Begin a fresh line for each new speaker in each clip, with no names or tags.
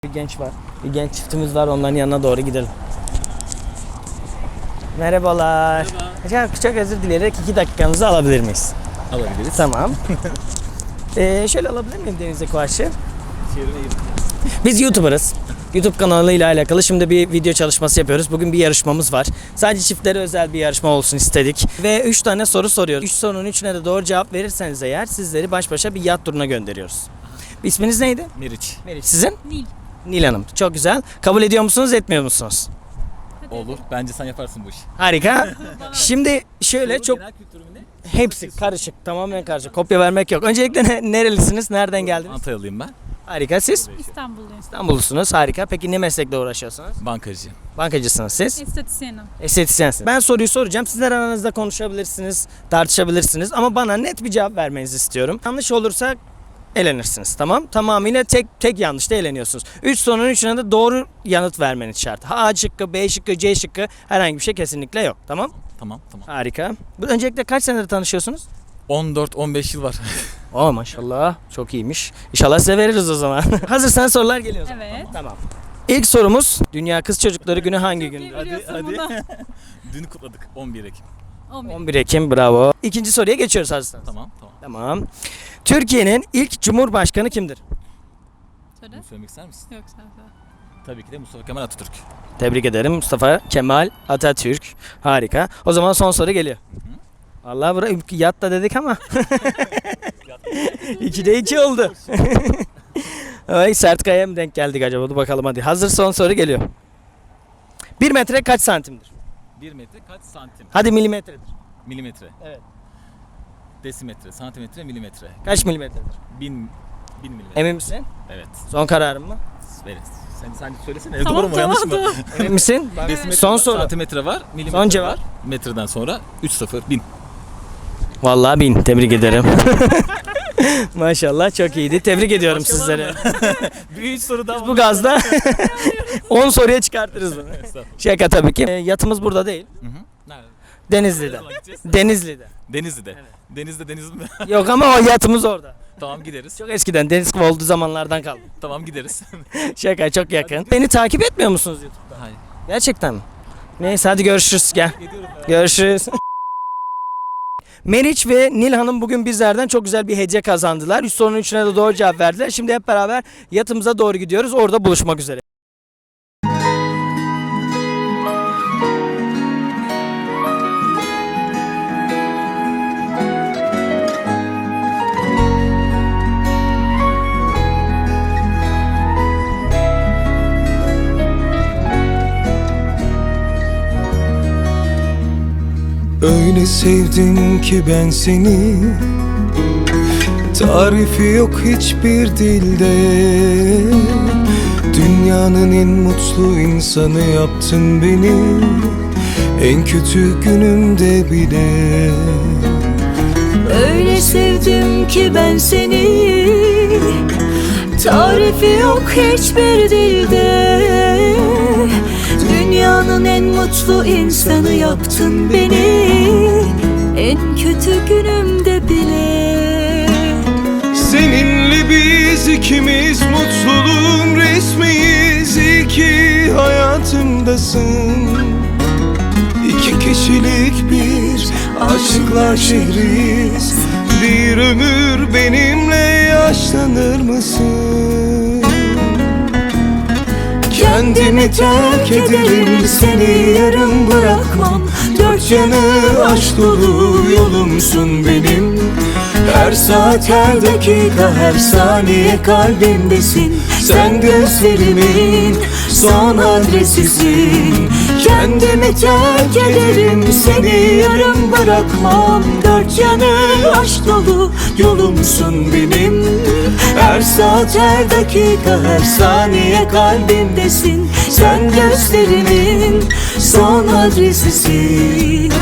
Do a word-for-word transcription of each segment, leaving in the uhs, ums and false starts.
Bir genç var. Bir genç çiftimiz var. Onların yanına doğru gidelim. Merhabalar. Merhaba. Çok, çok özür dileyerek iki dakikanızı alabilir miyiz?
Alabiliriz.
Tamam. ee, şöyle alabilir miyim Deniz'e karşı?
Çevirme
Biz YouTuber'ız. YouTube kanalıyla alakalı şimdi bir video çalışması yapıyoruz. Bugün bir yarışmamız var. Sadece çiftlere özel bir yarışma olsun istedik. Ve üç tane soru soruyoruz. üç sorunun üçüne de doğru cevap verirseniz eğer sizleri baş başa bir yat turuna gönderiyoruz. İsminiz neydi?
Meriç.
Meriç. Sizin?
Nil.
Nil Hanım. Çok güzel. Kabul ediyor musunuz, etmiyor musunuz?
Olur. Bence sen yaparsın bu işi.
Harika. Şimdi şöyle
Soru
çok
genel kültürü mü ne?
hepsi karışık. Tamamen karışık. Kopya vermek yok. Öncelikle ne- nerelisiniz? Nereden geldiniz?
Antalyalıyım ben.
Harika. Siz?
İstanbulluyum.
İstanbullusunuz. Harika. Peki ne meslekle uğraşıyorsunuz?
Bankacı.
Bankacısınız siz?
Estetisyenim.
Estetisyensiniz. Ben soruyu soracağım. Sizler aranızda konuşabilirsiniz, tartışabilirsiniz ama bana net bir cevap vermenizi istiyorum. Yanlış olursa elenirsiniz, tamam? Tamamıyla tek tek yanlışta eleniyorsunuz. üç sorunun üçüne de doğru yanıt vermeniz şart. A şıkkı, B şıkkı, C şıkkı herhangi bir şey kesinlikle yok, tamam?
Tamam tamam.
Harika. Bu öncelikle kaç senedir tanışıyorsunuz?
on dört on beş yıl var.
Oo maşallah, çok iyiymiş. İnşallah size veririz o zaman. Hazırsanız sorular geliyor o zaman.
Evet.
Tamam. İlk sorumuz, Dünya Kız Çocukları Günü hangi
Çok iyi
gündür?
biliyorsun
hadi.
bunu.
Dün kutladık on bir Ekim.
on bir.
on bir Ekim, bravo. İkinci soruya geçiyoruz hazırsanız.
Tamam tamam.
Tamam. Türkiye'nin ilk Cumhurbaşkanı kimdir?
Söyle.
Bunu söylemek ister misin?
Yok sen söyle.
Tabii ki de Mustafa Kemal Atatürk.
Tebrik ederim Mustafa Kemal Atatürk. Harika. O zaman son soru geliyor. Vallahi bura yat da dedik ama. ikide iki oldu. Ay Sertkaya'ya mı denk geldik acaba? Dur bakalım hadi. Hazır son soru geliyor. Bir metre kaç santimdir?
bir metre kaç santim?
Hadi milimetredir.
Milimetre.
Evet.
Desimetre, santimetre, milimetre.
Kaç milimetredir?
Bin, bin milimetre.
Emin misin?
Evet.
son kararın mı?
Veririz. Sen, sen söylesene.
Tamam,
Doğru mu
tamam,
yanlış mı?
tamam.
Emin misin?
Desimetre
Son
var,
soru.
Santimetre var, milimetre
Son cevap.
var. Metreden sonra üç sıfır bin.
Vallahi bin. Tebrik ederim. Maşallah çok iyiydi. Tebrik ediyorum sizleri.
Bir üç soru daha
Bu gazda on soruya çıkartırız bunu.
Estağfurullah.
Şaka tabii ki. E, yatımız burada değil.
Hı hı. Nerede?
Denizli'de. Denizli'de.
Denizli'de. Denizde deniz mi?
Yok ama o yatımız orada.
Tamam gideriz.
Çok eskiden deniz gibi olduğu zamanlardan kaldı.
Tamam gideriz.
Şaka çok yakın. Beni takip etmiyor musunuz YouTube'da?
Hayır.
Gerçekten mi? Neyse hadi görüşürüz gel.
Gidiyorum ben.
Görüşürüz. Meriç ve Nil Hanım bugün bizlerden çok güzel bir hediye kazandılar. Üç sorunun üçüne de doğru cevap verdiler. Şimdi hep beraber yatımıza doğru gidiyoruz. Orada buluşmak üzere.
Öyle sevdim ki ben seni, tarifi yok hiçbir dilde. Dünyanın en mutlu insanı yaptın beni, en kötü günümde bile.
Öyle sevdim ki ben seni, tarifi yok hiçbir dilde. Dünyanın en mutlu insanı yaptın beni, en kötü günümde bile.
Seninle biz ikimiz mutluluğun resmiyiz. İyi ki hayatımdasın. İki kişilik bir aşıklar şehriyiz. Bir ömür benimle yaşlanır mısın? Kendimi terk ederim, seni yarım bırakmam. Dört yanı aşk dolu yolumsun benim. Her saat, her dakika, her saniye kalbimdesin. Sen gözlerimin son adresisin. Kendimi terk ederim, seni yarım bırakmam. Dört yanı aşk dolu yolumsun benim. Her saat, her dakika, her saniye kalbimdesin. Sen gözlerimin son adresisin.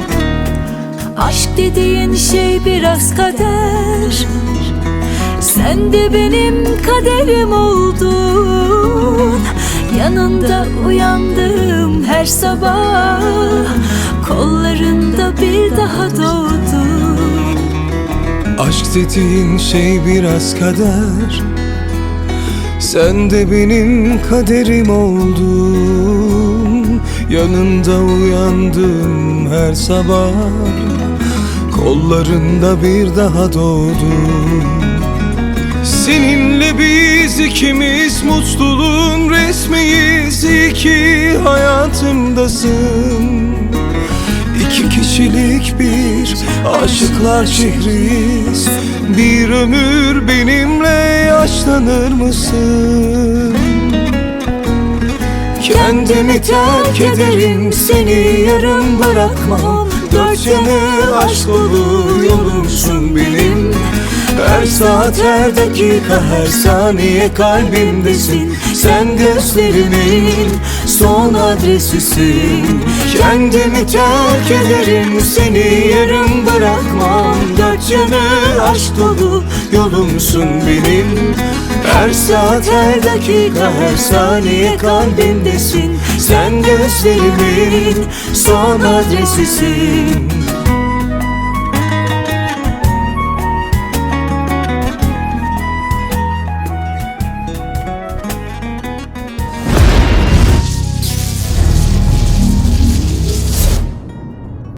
Aşk dediğin şey biraz kader. Sen Sen de benim kaderim oldun. Yanında uyandım her sabah, kollarında bir daha doğdum.
Aşk dediğin şey biraz kader. Sen de benim kaderim oldun. Yanında uyandım her sabah, kollarında bir daha doğdum. Seninle biz ikimiz mutluluğun resmiyiz. İyi ki hayatımdasın. İki kişilik bir aşıklar şehriyiz. Bir ömür benimle yaşlanır mısın? Kendimi terk ederim, seni yarım bırakmam. Dört yanı aşk dolu yolumsun benim. Her saat, her dakika, her saniye kalbimdesin. Sen gözlerimin son adresisin. Kendimi terk ederim, seni yarım bırakmam. Dört yanı aşk dolu yolumsun benim. Her saat, her dakika, her saniye kalbimdesin. Sen gözlerimin son adresisin.